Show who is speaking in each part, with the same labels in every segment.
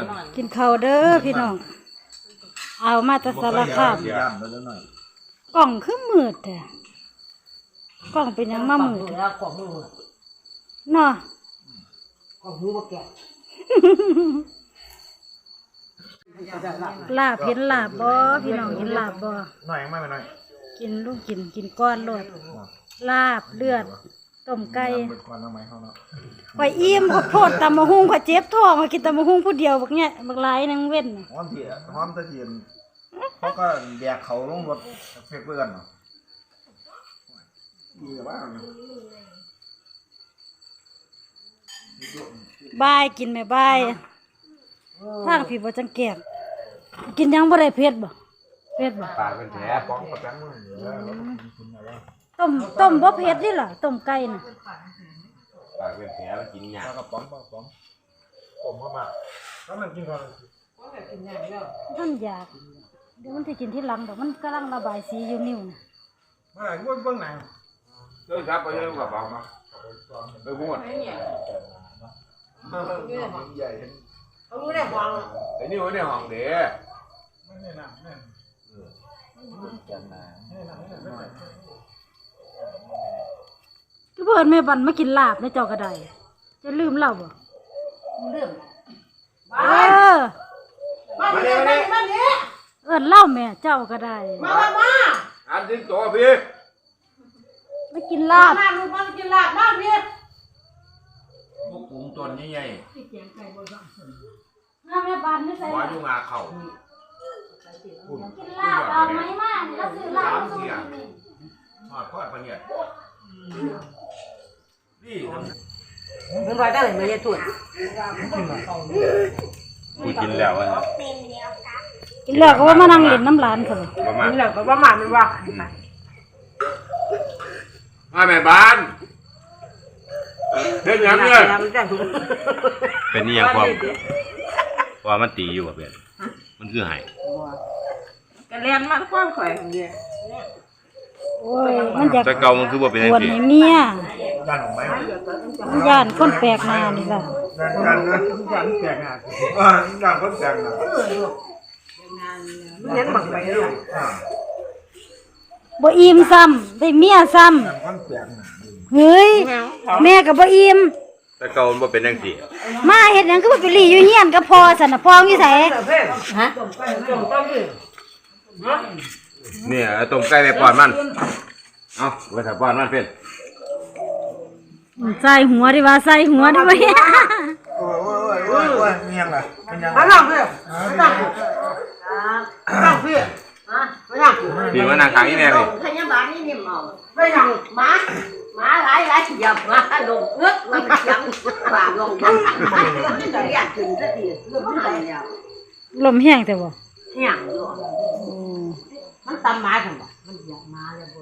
Speaker 1: กินข้าวเด้อพี่น้องเอามาแต่สารคามกล่องคือมืดแท้กล่องเป็นยังมามืด
Speaker 2: แล้วกล่องมือ
Speaker 1: เนาะ
Speaker 2: กล่องหูบ่แก่
Speaker 1: ลาบเห็นลาบบ่พี่น้องเห็นลาบบ่
Speaker 3: หน่อยไม่หน่อย
Speaker 1: กินลูกกินก้อนโลดลาบเลือดต้มไก่ข่อยอิ่มขอโทษตำมะฮุ่งข่อยเจ็บท้องข่อยกินตำมะฮุ่งผู้เดียวบักเนี่ยบักหลายนึงเว้น
Speaker 3: หอมเถี่ยหอมตะเทียนเขาก็แบกเขาลงรถเฟกเพื่อนเนาะดีแต่ว่า
Speaker 1: บายกินแม่บายทางพี่บ่จังแกงกินยังบ่ได้เผ็ดบ่เผ็ดบ่
Speaker 3: ปากเป็นแผลป้องประกันมือ
Speaker 1: ต้มบ่เผ็ดนี่ล่ะต้มไก่น่ะ
Speaker 4: ปากเป็นแผลมันกินยาก
Speaker 3: แล้วก็ป้องผมเข้ามาแล้วมันกินก่อน
Speaker 1: ท่านอยากเดี๋ยวมันสิกินที่หลังดอกมันกำลังระบายสีอยู่นิ้วน่ะ
Speaker 3: เมื่อไหร่เบื้องหนัง
Speaker 4: เดินครับไปเรื่องกับเบามาไปพูด
Speaker 3: ใหญ่
Speaker 2: เขารู้ได้ฟัง
Speaker 4: ไอ้นี่ไว้ในห้องเด้
Speaker 3: ไม่แน่นแน่น
Speaker 1: คือเพิ่นแม่บันมากินลาบในเจ้าก็ได้จะลืมเราบ่
Speaker 2: เรื่อง
Speaker 1: เออ
Speaker 2: มาเนี่ยมาเนี่ย
Speaker 1: เอิ้นเล่าแม่เจ้าก็ได้
Speaker 2: มา
Speaker 4: อันทิ้งตัวพี่
Speaker 1: มากินลาบ
Speaker 2: มาลูกมากินลาบมาพี่
Speaker 4: พวกกุ้งตัวใหญ่
Speaker 1: น้าแม่บันนี่ใส่
Speaker 4: ๆว่าอยู่งาเข่า
Speaker 1: กินลาบเอาไหมมาแล้วซื้อลาบ
Speaker 4: ทอดปลาเนี่ยนี่
Speaker 2: มันไปได้เลยไม่ได้ถุน
Speaker 4: กูกินแล้วอ่ะ
Speaker 1: กินแล้วก็ว่ามานั่งเล่นน้ำหลานเขา
Speaker 4: ประมาณ
Speaker 2: นี่แหละก็ประมาณมันว่า
Speaker 4: มาแม่บ้านเฮ็ดหยังเนี่ย
Speaker 5: เป็นนี่ยังความว่ามันตีอยู่กับเป็นมันคือหาย
Speaker 2: กันเรียนมาความข่อยของเดีย
Speaker 1: โอ้ยมันอยาก
Speaker 5: แต่เก่ามันคือว่าเป็น
Speaker 1: ป
Speaker 5: จัง
Speaker 1: วด
Speaker 5: ซี่
Speaker 1: ให้เมีย
Speaker 3: ด้านของไม้
Speaker 1: มันย่านคนแปลกหน้านี่ล่ะ
Speaker 3: ด้านนะด้านแตกหนักด้านคนแตกหนัก
Speaker 2: เรียนบังไปลูก
Speaker 1: บ่อิ่มซ้ำได้เมียซ้
Speaker 3: ด้านคนแตกหนัก
Speaker 1: ำเฮ้ยแม่ก็บ่อิ่ม
Speaker 5: แต่เก่ามันบ่เป็นจังซี่
Speaker 1: มาเฮ็ดหยังคือบ่ไปหลีอยู่เฮียนกับพ่อซั่นน่ะพ่ออยู่ไส
Speaker 2: ฮะต้องดิ
Speaker 5: เนี่ยเอาต้มไก่ไปป้อนมันเอาไว้ถ้าป้อนมันเป็น
Speaker 1: ใส่หัวดิว่าใส่หัวดิว่า
Speaker 3: โอ้ยเมียงล่ะเป็นยังไง
Speaker 2: มานั่งพี่นั่งพี่ฮะมานั่ง
Speaker 5: พี่มานั่งข้างอีแม่พี่
Speaker 2: พยาบาลนี่นี่เมาไม่นั่งหมาหลายเหยียบมาลงเงือกมันยังฝ่าลงมันจะเรียกถึงสักทีเรื่องอะไรเนี่ย
Speaker 1: ลมแห้งแต่บ่
Speaker 2: เหี้ยอยู่
Speaker 1: โอ้
Speaker 2: มันตำมาทำไมมันเหยียบมาเลย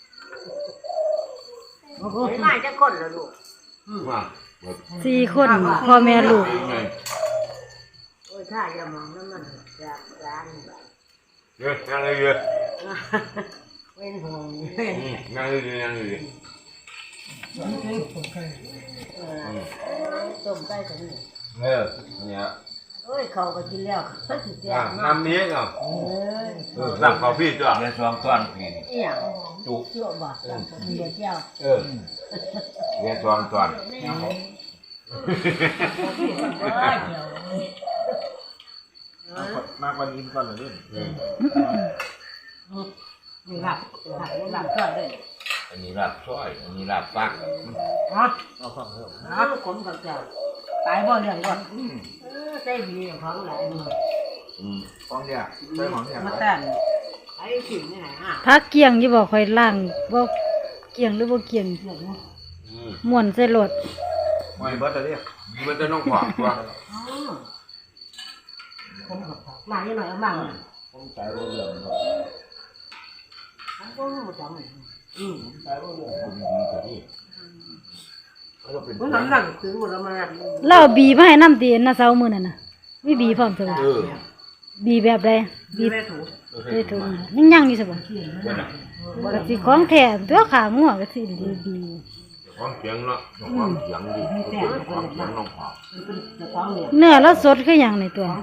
Speaker 2: บุญไม่มาจะคนละลูก
Speaker 4: มา
Speaker 1: 4คนพ่อแม่ลูก
Speaker 2: โอ้ยถ้าจะมองนั้นมันจากร้านแบบ
Speaker 4: เยอะนั่งเลยเยอะ
Speaker 2: เป็นห่วง
Speaker 4: นั่งเลยนั่งเลย
Speaker 2: ต้มไก่กันนี่
Speaker 4: เนี่ย
Speaker 2: โอ้ยเขาก็กินแล้วเขาสิแจก
Speaker 4: น้ำนี้เนาะ
Speaker 2: เอ้ย
Speaker 4: น้ำข้าวพี่จ้ะ
Speaker 5: เดี๋ยว2ต้อนพี่
Speaker 2: อีหยังจุเชื่อบ่เดี๋ยวเจ้า
Speaker 4: เรียน2ต้อน
Speaker 3: มากกว่านี้ก่อนเลย
Speaker 2: นี่หลับก่อนเลย
Speaker 4: อันนี้ลาบซอยอันนี้ลาบปัก
Speaker 2: ฮะขมกับเจ้าตายบ่เรื่องก่อนใส่บีของหลายมือ
Speaker 3: ของเนี่ยใช้ของเนี่ย
Speaker 2: มาแต่นไอ้สิ่งนี่ไหนฮะ
Speaker 1: พักเกียงอยู่บ่ค่อยล้างบ่เกียงหรือบ่เกียงม่วนใส่รถ
Speaker 3: ไม่เบิร์ดเลย
Speaker 4: มันจะน้องขวางตัว
Speaker 2: ผมกับมาเยอะหน่อยเอาบ้าง
Speaker 3: ผมใช้เรื่อง
Speaker 2: ผมก็รู้จักมัน
Speaker 3: ใช้เรื่อง
Speaker 2: ผมนั่งถึงหมดแล้วมา
Speaker 1: เล่าบีมาให้น้ำตีนนะเช้ามื้อนั่นน่ะมีบีพร้อมซะบ่บีแบบใดบี
Speaker 2: ไม่ถูก
Speaker 1: ได้ถุงยังอยู่ซะบ่ก็สิของแท้ตัวขางัวก็สิดีบี
Speaker 4: ของเสียงเนาะของเสียงดิของเสียงน้องขอ
Speaker 1: เนื้อแล้วสดคือหยังในตัว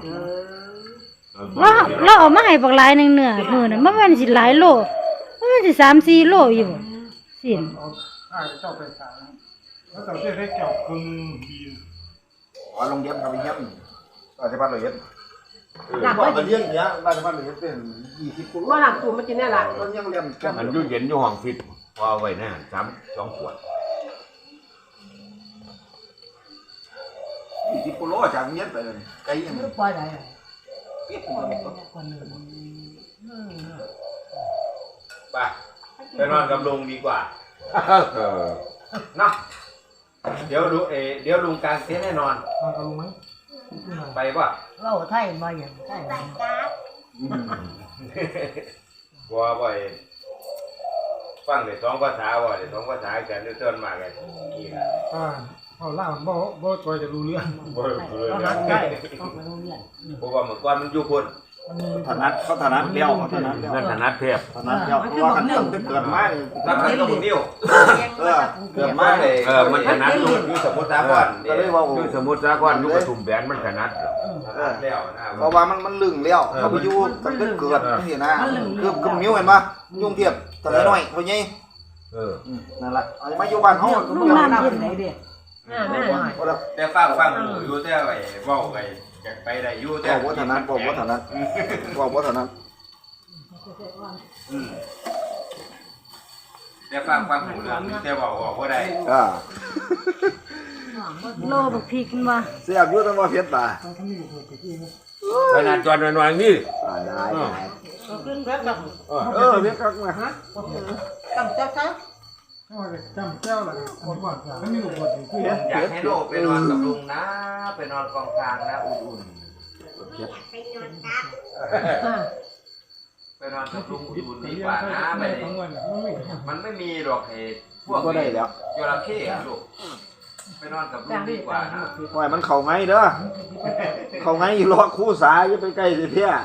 Speaker 1: เราเอามาให้บักหลายหนึงเนื้อมื้อนั้นมันสิหลายโลมันสิ3-4โลอยู่บ่สิ้น
Speaker 3: เจ้าไปขายแล้วเจ้าได้เกี่ยวคึงดีอ๋อโรงเรียนครับเยี่ยมราชพัฒน์เลยว่าจะเลี้ยงเนี้ยราชพัฒน์เลยเป็น20 คน
Speaker 2: ว่าหลังตูมันกินได้ละ
Speaker 3: มันยังเรียน
Speaker 4: มันอยู่เย็นอยู่ห้องฟิตพอไว้นะ2 ขวด
Speaker 3: 20 กิโลจากเนี้ยไปเลยไกลยัง
Speaker 2: ปล่อยได้
Speaker 5: ไปนอนกับลุงดีกว่าเนาะเดี๋ยวลุงกางเต็นท์ให้นอน
Speaker 3: นอนกับลุงไหม
Speaker 5: ไปป่ะ
Speaker 2: เราไทยมาอย่างไทย
Speaker 5: บัวบ่อยฟังได้2 ภาษาบ่ได้2 ภาษากันด้วยต้นมากันนี่ล่ะ
Speaker 3: เอาล่าบ่จอยจะรู้เรื่อง
Speaker 5: บ่รู้เรื่องเพราะว่าเมื่อก่อนมันอยู่พุ่น
Speaker 3: ถนัดเขาถนัดเลี้ยวเขาถนัดเลี้ยว
Speaker 5: นั่นถนัดเทพ
Speaker 3: ถนัดเลี้ยวเพราะว่ากันตั้งแต่เกิดมาเนี่ย
Speaker 5: นักเรียนก็บ่นิ้ว
Speaker 3: เกิดมาเลย
Speaker 5: มันถนัดอยู่สมุทรสาครอยู่สมุทรสาครอยู่ปทุมแบนมันถนัดแล้วนะ
Speaker 3: เพราะว่ามันลึงเลี้ยวเขาไปอยู่ตั้งแต่เกิดนี่นะคือมิ้วเห็นปะยุ่งเทียบแต่น้อยเขาใหญ่นั่นแหละเอามาอยู่บ้านเขา
Speaker 1: ลูกน้ำเย็น
Speaker 5: แต่ฟังอยู่แต่ไอ้เว้าไอ้อยากไปได้อยู่แต่
Speaker 3: บอกว่าถนัดบอกว่าถนัดบอกว่าถนัด
Speaker 5: แต่ฟังหูเรื่องแต่เว้าบ่ได้
Speaker 1: โลบักพริกมันว่า
Speaker 3: เสียบอยู่ตั้งว่าเพชรตา
Speaker 4: ขนาดจอนหน่อยๆนี่
Speaker 3: ได้
Speaker 2: ขึ้นแป๊บแบบ
Speaker 3: เพชรกักมาฮะ
Speaker 2: จำเจ้าครับ
Speaker 3: จำเจ้าละคนว่าไม่มีลูกบดคือ
Speaker 5: อยากให้โลไปนอนกับลุงนะไปนอนกองกลางนะอุ่นๆไปนอนกับลุงอุ่นๆดีกว่านะไปมันไม่มีหรอกไอ้พวก
Speaker 3: ก็ได้แล้ว
Speaker 5: จระเข้ลูกไปนอนกับลุงดีกว่านะ
Speaker 3: ปล่อยมันเข่าไงเด้อเข่าไงอยู่รอคู่สายอย่าไปใกล้สิเพี้ย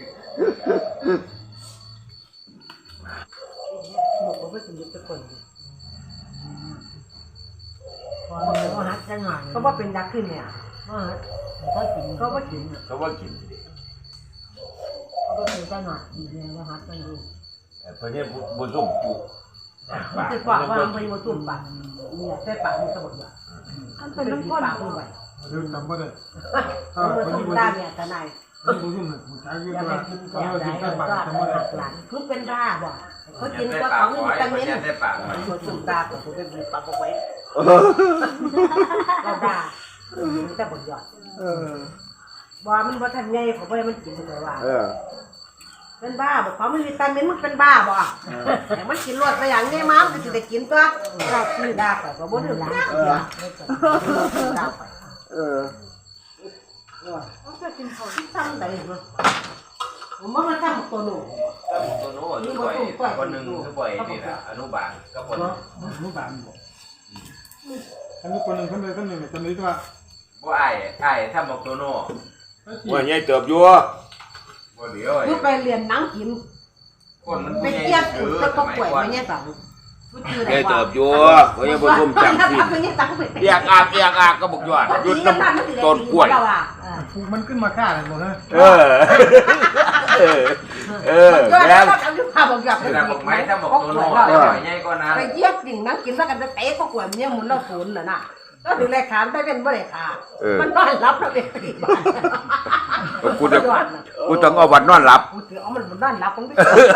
Speaker 2: บอกว่าไม่ถึงยุคตะคนพอหัดจังหวะก็ว่าเป็นยักษ์ขึ้นเนี่ยก็กินก็ว่ากิน
Speaker 4: เขาว่ากิน
Speaker 2: ก็เป็นจังหวะดีเลยว่าหัดจังดู
Speaker 4: เพราะนี่บุญส้มจุ
Speaker 2: มันจะกว่าว่ามันมาตุ่มปากเนี่ยแต่ปากมันสะบัดอ่ะ
Speaker 1: มันเป็นน้ำข้น
Speaker 2: ปากด้วย
Speaker 3: เดี๋ยวจำบ่ได้
Speaker 2: มันตุ่มตาเนี่ยทนาย
Speaker 3: ผู้ยุ่งเนี่ยผู้ชายยุ่ง
Speaker 2: อย่า
Speaker 3: ด้
Speaker 2: ไป
Speaker 3: วย
Speaker 2: กิน
Speaker 3: เขา
Speaker 2: แก่
Speaker 3: เอา
Speaker 2: ใด
Speaker 3: ทิ้งใส่ปาก
Speaker 2: ก็
Speaker 3: จำบ่ได้
Speaker 2: หักหลังคือเป็นราบ่เขากิน
Speaker 5: ได้
Speaker 2: ก็
Speaker 5: ปาก
Speaker 2: ของ
Speaker 5: หอย
Speaker 2: วิตามิน
Speaker 5: ได้ปากหอย
Speaker 2: มันตุ่มตาก็เป็นปากเอาไว้เราด่าแต่บทหยอดบ่มันบ่ทันไงเขาบ่ได้มันกินเลยว่าเป็นบ้าบอกเขาไม่มีวิตามินมันเป็นบ้าบ่แต่มันกินรวดไปอย่างนี้มั้งก็สิได้กินตัวเราคือด่าก็บ่ได้ด่าด่าไปก็กินเขาที่ซ้ำได้บ่ผมว่ามันซ้ำตัวหนู
Speaker 5: ตัวโน้ตด้วยคนหนึ่งคือบ่อยนี่แหละอนุบาลก็คน
Speaker 3: รู้บ้านบ่อันนี้คนหนึ่งคนใดคนหนึ่งจำได้ตัว
Speaker 5: บ่ไอ้ถ้าบอกตัวโน้
Speaker 4: ว่าใหญ่เติบอยู่
Speaker 5: บ่เดี๋ยว
Speaker 2: คือไปเรียนหนังกิน
Speaker 5: คนมัน
Speaker 2: ไปเทียบกูจะก็ป่วยไปเนี่ยสั่ง
Speaker 4: ใหญ่เติบอยู่เพราะยังบุญส้มจำสิ้นเรียกอาก็บอกยอดหยุดน้ำต้นกล้วย
Speaker 3: มันขึ้นมาฆ่าเลยหมดเลย
Speaker 2: แล้วเอาอยู่ภาพบอกอยาก
Speaker 5: ถ้าบอกไม้ถ้าบอกตัวโน้ใหญ่ก็นะ
Speaker 2: ไปเทียบกิ่งหนังกินแล้วกันจะเตะก็ป่วยเนี่ยมุนแล้วศูนย์น่ะนะก็ถึงเลยขามได้เป็นบ่ได้ขามันนอนรับแล้วเป็นปีบ้าน
Speaker 4: กูต้องเอาบัตรนอนหลับ
Speaker 2: กูถือเอามันนอนรับผมไม่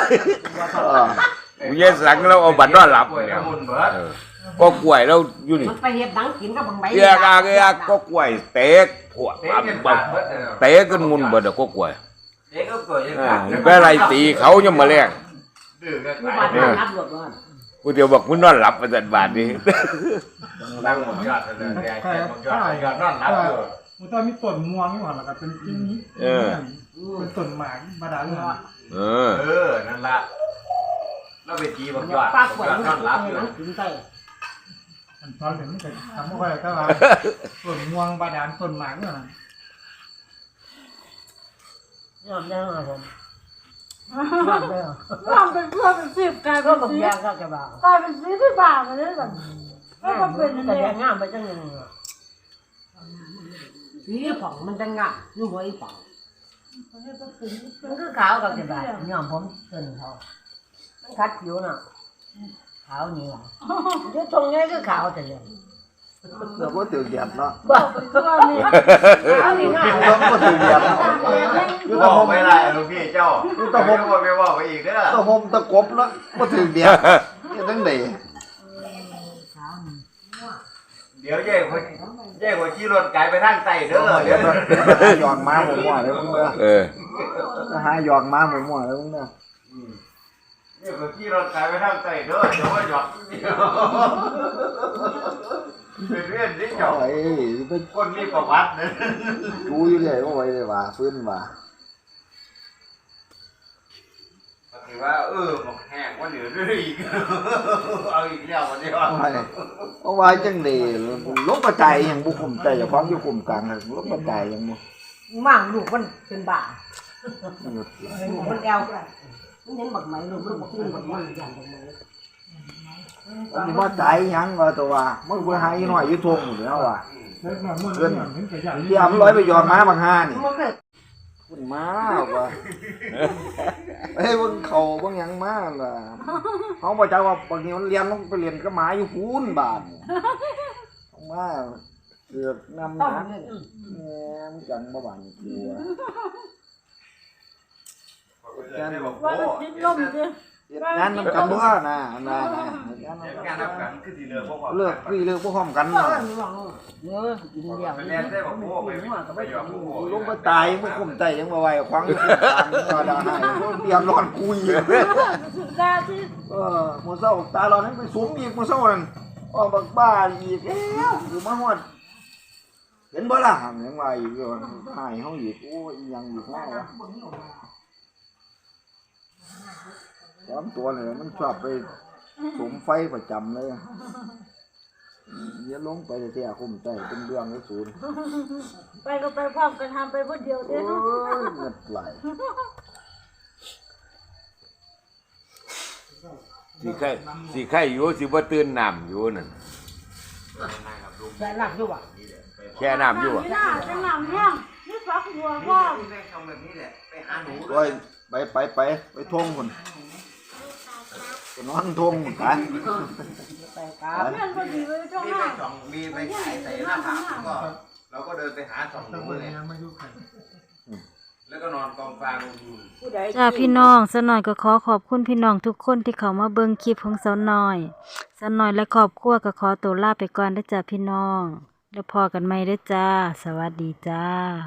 Speaker 4: กูแย่สังแล้วเอาบัตรนอนหลับ
Speaker 5: กล้วย
Speaker 4: เนี่ย
Speaker 5: มุนเบิด
Speaker 4: ก็กล้วยแล้วอยู่นี่
Speaker 2: มันไปเฮ็ดหนังกินกับบางใบ
Speaker 4: เรียกอาก็กล้วยเตกพวก
Speaker 5: เตะกันปากเบิด
Speaker 4: เตกกันมุนเบิดก็กล้วย
Speaker 5: เตะก็กล้วยยัง
Speaker 4: ก็อะไรตีเขายังมาแรง
Speaker 5: ดื้อกัน
Speaker 2: มี
Speaker 5: ไป
Speaker 2: บ้านนอนรับหลดว่า
Speaker 4: กูเดี๋ยวบอกมึงนอนหลับมาจัดบาทนี้
Speaker 5: ตั้งหมดยอดเลยแดงแค่หมดยอดนอนหลับอยู่
Speaker 3: มันต้องมีต้นม่วงนี่หว่าแล้วก็เป็นที่นี้เป็นต้นหมากบาดาลเนี่ย
Speaker 5: นั่นละแล้วไปตีบักยอด
Speaker 2: ป้าป่วย
Speaker 5: น
Speaker 2: มัน
Speaker 5: อนหลับอยู่
Speaker 2: หนังกินไป
Speaker 3: มันตอนเดี๋ยวมันจะทำอะไรก็ว่าต้นม่วงบาดาลต้นหมากเนี่ยนะ
Speaker 2: ยอมยังครับผม
Speaker 1: น้ำเป็นเพื่อนเป็น10กลาย
Speaker 2: ก็
Speaker 1: เป็น
Speaker 2: บางอย่างก็จะบ้าก
Speaker 1: ลายเป็น40 บาทมาเลยแบบก็บ่เป็นอัน
Speaker 2: แต่
Speaker 1: นี้
Speaker 2: แดงงามไปจังนึงสีผ่องมันจังงามอยู่หัวอีผ่องมันคือขาวกับสิบาทย้อมผมเกินเขามันคัดผิวน่ะขาวนี่ว่ะอยู่ตรงนี้คือขาวแต่เลย
Speaker 3: เราก็ถือเหยียบเนาะ
Speaker 2: บ่
Speaker 1: ก็มี
Speaker 2: ขาวนี่ง่าย
Speaker 3: เราก็ถือเหยียบอยู่
Speaker 5: บ
Speaker 3: ตะ
Speaker 5: อ
Speaker 3: ห
Speaker 5: ก
Speaker 3: ม
Speaker 5: ไม่ได้ลูกพี่เจ้าไม่บอกไปบอกไปอีกเด้อ
Speaker 3: ตะหมตะกบเนาะก็ถือเหยียบนี่ตั้งเด๋
Speaker 5: เดี๋ยวเย่คนขี่รถไกลไปทางใต้เด้อเดี๋ยว
Speaker 3: หยองม้าหมูมั่วเลยมึงเด้อ
Speaker 4: เออ
Speaker 3: หาหยองม้าหมูมั่วเลยมึงเด้อ
Speaker 5: เย่คนขี่รถไกลไปทางใต้เด้อเดี๋ยวว่าหยอกเป็นเรื่องที่เจ้า
Speaker 3: ไอ้ไป
Speaker 5: คนมีประวัติเด้อ
Speaker 3: ดูอยู่เลยว่าไว้เลยว่าฟื้นว่า
Speaker 5: ถือว่าหมกแห้งว่าเหนือด้วยอีกเอาอีกแล้ววันนี้
Speaker 3: เอาไว้จังเด๋ลบกระจายอย่างบุคุมใจอย่าพร้อมอยู่คุมกลางลบกระจายอย่างบุ
Speaker 2: มั่งลูกมันเป็นบ้า
Speaker 3: หยุด
Speaker 2: ลูกมันแอวมันเห็นบักไหมลูกมันบอกกินบักมันอย่างบักไหม
Speaker 3: อันนี้มาใจยังว่าตัวว่ามึงไปหาอีหน่อยอยู่ทงอยู่แล้วว่าเพื่อนเดี๋ยวมันร้อยไปยอมม้าบางห้านี่
Speaker 2: มันก็
Speaker 3: คุณม้าว่ะเฮ้ยมึงเข่าบางยังม้าล่ะเขาบอกว่าบางทีมันเรียนต้องไปเรียนก็หมาอยู่คูนบาทม้าเสือกนำห
Speaker 2: ต้อง
Speaker 3: นัก
Speaker 2: เล่น
Speaker 3: แหมจังบ่บานกลัว
Speaker 1: ว่ามันติดลมสิ
Speaker 3: งานนำกันด้วยนะงาน
Speaker 5: งานนับกันคือที่เรือพวก
Speaker 3: เลิกพี่เลิกพวกพร้อมกัน
Speaker 2: เอ
Speaker 3: เนาะ
Speaker 2: อหวังเยอะกินเดียว
Speaker 5: ไปเรียนได้บอกพวกไปหยอกพวก
Speaker 3: ลงไปตายพวกผมใจยังบ่ไหวควังตาดาหายเตรียมร้อนคุย
Speaker 1: สุดาที่
Speaker 3: มื้อเช้าตาร้อนให้ไปสูมอีกมื้อเช้านั่นออกบักบ้าอีกแล้วอยู่มาฮอดเห็นบ่ล่ะยังว่าอีกหายเฮาอีกโอ้ยยังอยู่ข้างวะตามตัวเนี่ยมันชอบไปสมไฟประจำเลยเดี๋ยวลงไปแท้ๆคุมใจเป็นเรื่องเลยศูนย์
Speaker 1: ไปก็ไปพร้อมกันทำไปผู้เดียวเด้
Speaker 3: โอ้
Speaker 1: อย
Speaker 3: เงิดไหล
Speaker 4: สิไข่อยู่สิบ่ตื่นน้ำอยู่นั่น
Speaker 2: แต่หลักอยู่อ่ะ
Speaker 4: แช่น้ำอยู่อ่ะ
Speaker 1: นี่น่าจะหนำแห้งนี่ฟักหัวพ่อ
Speaker 5: ไปหาหนู
Speaker 3: โอ้ยไปทงคนไปนอนทงคนกัน
Speaker 2: ไปครับ
Speaker 1: เพื่อนคนดีไปช่วง
Speaker 5: มี
Speaker 1: ห
Speaker 5: ไป
Speaker 1: น้า
Speaker 5: ส่องมีไปขายใส่หน้าผากก็เราก็เดินไปหาส่องหนูเลยแล้วก็นอนกองฟาง
Speaker 2: ผู้ใด
Speaker 1: จ้าพี่น้องสาวน้อยก็ขอขอบคุณพี่น้องทุกคนที่เข้ามาเบิ่งคลิปของสาวน้อยสาวน้อยและครอบครัวก็ขอตัวลาไปก่อนเด้อจ้าพี่น้องแล้วพอกันใหม่เด้อจ้าสวัสดีจ้า